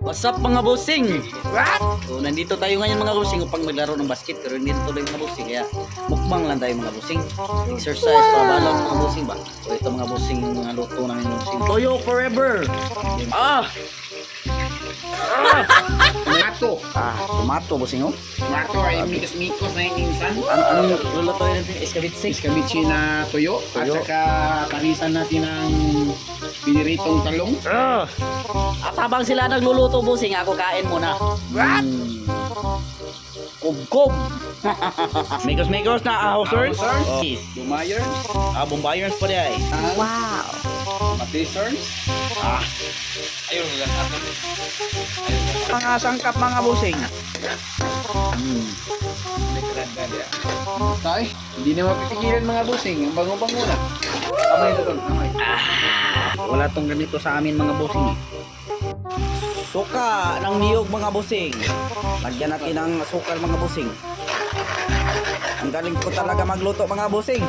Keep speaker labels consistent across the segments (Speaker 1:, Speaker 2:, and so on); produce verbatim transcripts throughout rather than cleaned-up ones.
Speaker 1: What's up mga bossing?
Speaker 2: What?
Speaker 1: So, nandito tayo ngayon mga bossing upang maglaro ng basket pero hindi na tuloy mga bossing kaya mukbang lang tayo mga bossing. Exercise para balance mga bossing ba? So ito mga bossing yung mga luto namin mga bossing. Toyo forever! Ah! Ah!
Speaker 2: Tomato.
Speaker 1: Ah, tomato bossing oh.
Speaker 2: Tomato ay mikos-mikos na yung insan.
Speaker 1: Ano, anong lulutuin natin? Escabitse?
Speaker 2: Iskabichi na tuyo. At
Speaker 1: Tuyo.
Speaker 2: saka panisan natin ng piniritong talong.
Speaker 1: Ah! At habang sila nagluluto bossing, ako kain muna.
Speaker 2: What?
Speaker 1: Mm. Kub-kub! Mikos-mikos na ahosers?
Speaker 2: Ahosers.
Speaker 1: Oh. Yes.
Speaker 2: Bumayer.
Speaker 1: Ah, bombayers pa di ay.
Speaker 2: Wow. Matisern.
Speaker 1: Ah.
Speaker 2: Ayun, lahat.
Speaker 1: Mga sangkap mga busing. Hmm.
Speaker 2: Tay, hindi na mapipigilan mga busing. Ang bango-bango na. Kamay ito doon. Kamay.
Speaker 1: Ah, wala tong ganito sa amin mga busing. Suka ng niyog mga busing. Lagyan natin ng asukal mga busing. Ang galing ko talaga magluto mga busing.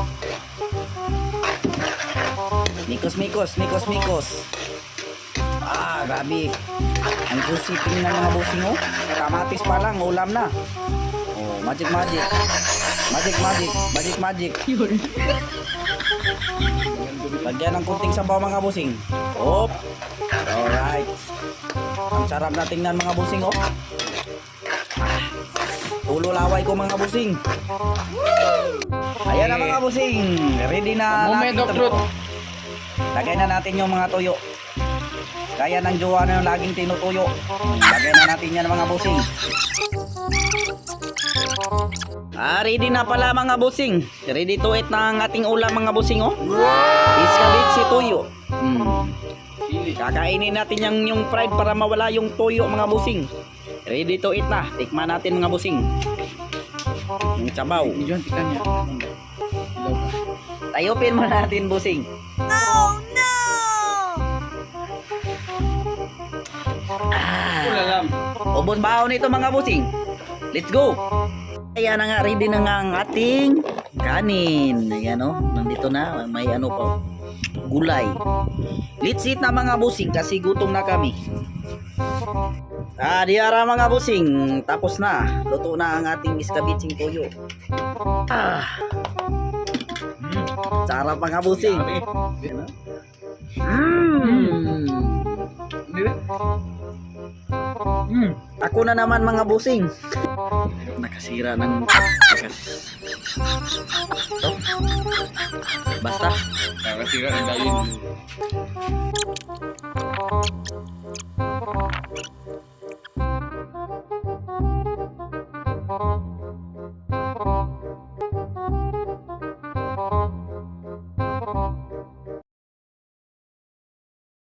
Speaker 1: Mikos, mikos, mikos, mikos. Ah, grabe. Ang juicy tingnan mga busing oh. Kamatis pa lang, ulam na. Oh, magic magic. Magic magic, magic magic. Lagyan ng kunting sabaw mga busing. Op. Alright. Ang sarap na tingnan mga busing oh. Ah, tulo laway ko mga busing. Ayan na mga busing. Ready na
Speaker 2: Moment
Speaker 1: natin
Speaker 2: of
Speaker 1: ito.
Speaker 2: truth.
Speaker 1: Lagay na natin yung mga tuyo. Kaya ng jowa na yung laging tinutuyo. Lagay na natin yan mga busing. Ah, ready na pala mga busing. Ready to eat na ang ating ulam mga busing oh. Iskabitse tuyo. Hmm. Kakainin natin yung, yung fried para mawala yung tuyo mga busing. Ready to eat na. Tikman natin mga busing. Yung sabaw.
Speaker 2: Hindi dyan, tikan niya.
Speaker 1: Tayupin mo natin busing.
Speaker 3: Oh no!
Speaker 2: Wala lang.
Speaker 1: Ubos baon nito mga busing. Let's go. Ayan na nga, ready na nga ang ating kanin. Ayan o, nandito na. May ano pa, gulay. Let's eat na mga busing kasi gutom na kami. Ah, diara mga busing. Tapos na. Luto na ang ating iskabitsing tuyo. Ah. Mm. Sarap mga busing. Mm. Mm. Ako na naman mga busing. Nakasira ng nakas... Oh. Basta.
Speaker 2: Nakasira ng dayon.